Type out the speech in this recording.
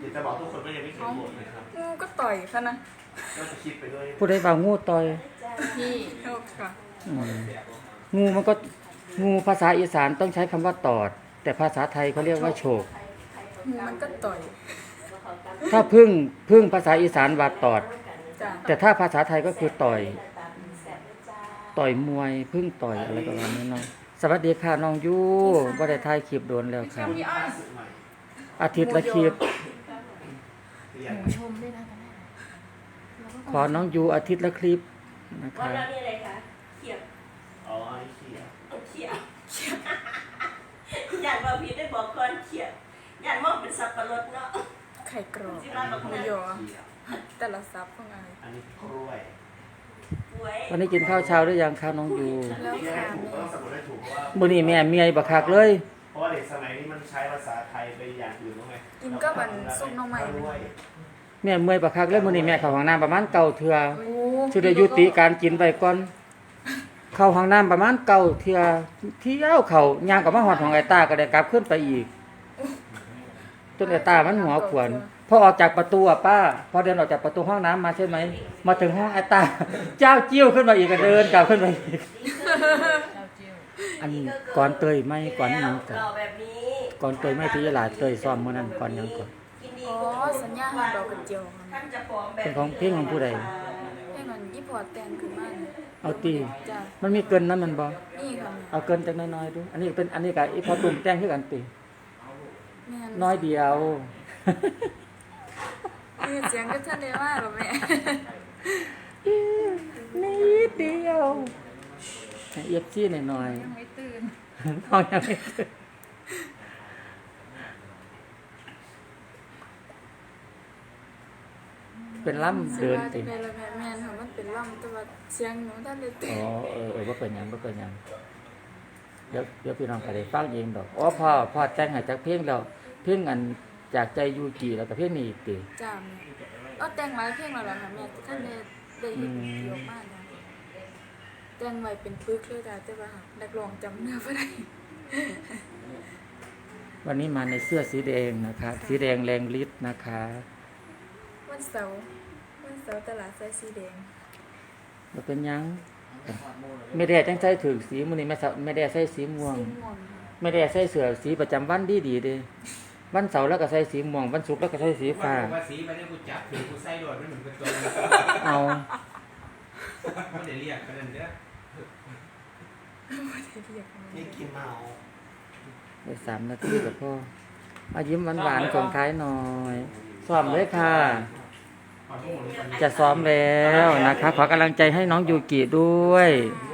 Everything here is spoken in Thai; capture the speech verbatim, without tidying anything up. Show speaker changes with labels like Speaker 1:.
Speaker 1: ดี๋ยวจะบอกทุกคนว่ายังไม่เคยโหวตนะครับ
Speaker 2: งูก็ต่อยค่ะนะ
Speaker 1: ก็จะคิดไปด้วย
Speaker 3: ผู้ใดบ่างูต่อย
Speaker 2: พี่โทษค่ะ
Speaker 3: อืมงูมันก็งูภาษาอีสานต้องใช้คำว่าตอด แต่ภาษาไทยเขาเรียกว่าโฉก
Speaker 2: งูมันก็ต่อย
Speaker 3: ถ้าพึ่งพึ่งภาษาอีสานว่าตอด
Speaker 2: จ้ะ
Speaker 3: แต่ถ้าภาษาไทยก็คือต่อย ต่อยมวยพึ่งต่อยอะไรประมาณนี้เนาะสวัสดีค่ะน้องยูบ่ได้ถ่ายคลิปโดนแล้วค่ะอาทิตย์ละคลิป
Speaker 2: ชมด้วยนะ
Speaker 3: ขอน้องยูอาทิตย์ละคลิปนะ
Speaker 4: ว่า
Speaker 3: คะ
Speaker 4: เรานี่อะไรคะเขียบ
Speaker 1: อ๋อไอ้เขีย
Speaker 4: เอาเขียบอยากมาพี่ได้บอกก่อนเขียบอยากมองเป็นสับปะรดเนาะ
Speaker 2: ไข่กรอบ
Speaker 4: ที่บ้านบอก
Speaker 2: หมู
Speaker 4: นะ
Speaker 2: ยอแต่ละซับของอะไร
Speaker 1: อันนี้กล้วย
Speaker 4: ป่วย
Speaker 3: วันนี้กินข้าวเช้าหรือยังคะน้องยู
Speaker 2: แล้ว
Speaker 1: ที่ให้
Speaker 2: ค่ะ
Speaker 1: ถูกก็ต้องสะกดให้ถูกเพราะว่า
Speaker 3: มื้อนี้แม่เมียบักคักเลย
Speaker 1: เพราะว่าเด็กสมัยนี้มันใช้ภาษาไทยไปอย่างอื่นแล้วไง
Speaker 2: กินก็มันซุปน้องใหม่
Speaker 1: กล้วย
Speaker 3: แม่เมื่อยบักคักเลยมื้อนี้แม่เข้าห้องน้ำประมาณเก้าเทื่อ
Speaker 2: โอ้
Speaker 3: สิได้ยุติการกินไปก่อนเข้าห้องน้ำประมาณเก้าเทื่อเที่ยวเข้าย่างกลับมาฮอดของไอ้ตาก็ได้กลับขึ้นไปอีกจนไอ้ตามันหัวขวนพอออกจากประตูอ่ะป้าพอเดินออกจากประตูห้องน้ำมาใช่ไหมมาถึงห้องไอ้ตาเจ้าจิ้วขึ้นมาอีกก็เดินกลับขึ้นไปอีกอันก่อนเตยไม่ก่อนหยังก่อน
Speaker 4: หล่อแบบนี้
Speaker 3: ก่อนเตยไม่ที่ยลาเตยซ้อมมื้อนั้นก่อนหยังก่อน
Speaker 4: กินดี
Speaker 2: อ๋อสัญญาณดอกกระเจียว
Speaker 4: ท่านจะผอมแบบ
Speaker 3: เป็นของเพลงของผู้ใด
Speaker 2: ให้มันยี่ปอดแตงขึ้นมาเนี่ย
Speaker 3: เอาตี
Speaker 2: จ้ะ
Speaker 3: มันมีเกินนั้นมันบ่
Speaker 2: นี่ค่ะ
Speaker 3: เอาเกินจักน้อยๆดูอันนี้เป็นอันนี้กับอีพอตุ่มแต่งคือกันติ
Speaker 2: แม่
Speaker 3: น้อยเดียว
Speaker 2: นี่เสียงก็ท่านได้ว่าหรอแม่
Speaker 3: นิดเดียวเอียบจี้หน่อย
Speaker 2: ยังไม่ตื่น
Speaker 3: ๆน้องยังไม่ตื่นเป็นล่ำเดินติ
Speaker 2: เป็นละแม่แม่ค่ะมันเป็นล่ำแต่ว่าเสียงหนูท่านได้ตื่
Speaker 3: อ๋
Speaker 2: น
Speaker 3: อเออเออว่าเป็นหยังว่าเป็นหยังเดี๋ยวเดี๋ยวพี่น้องก็ได้ฟังเองดอกอ๋อพ่อพ่อแต่งให้จากเพลงแล้วเพลงอันจากใจยูกิแล้วก็เพลงนี้อีกติ
Speaker 2: จ้าแม่เอาแต่งหลายเพลงแล้วล่ะค่ะแม่ท่านได้ได้เห็นเยอะมากนะแต่งไว้เป็นปึกเลยจ้ะแต่ว่านักร้องจำเนื้อบ่ได้
Speaker 3: วันนี้มาในเสื้อสีแดงนะคะสีแดงแรงฤทธิ์นะคะ
Speaker 2: วันเสาร์วันเสาร์ตลาดไซสีแดง
Speaker 3: บ่เป็นหยังไม่ได้จังใส่ถึงสีมื้อนี้แม่สะไม่ได้ใส่สีม่วง
Speaker 2: สีม่วง
Speaker 3: ไม่ได้ใส่เสื้อสีประจำวันดีดีๆเด้วันเสาร์แล้วก็ใส่สีม่วงวันศุกร์แล้วก็ใส่สีฟ้า
Speaker 5: ว่าสีไปได้กูจับถือกูใส่โดดไม่เหมือนเป็นตัวเลย
Speaker 3: เอา
Speaker 5: ไม่ได้เรียกกันนั่นเด้อ
Speaker 2: บ่ได้เรียกมัน
Speaker 1: นี่กินเมา
Speaker 3: ได้สามนาทีก็พอเอายิ้มหวานๆส่งท้ายหน่อยซ้อมเลยค่ะ
Speaker 5: ขอทุกคน
Speaker 3: จะซ้อมแล้วนะคะ ขอกำลังใจให้น้องยูกิด้วย
Speaker 5: เ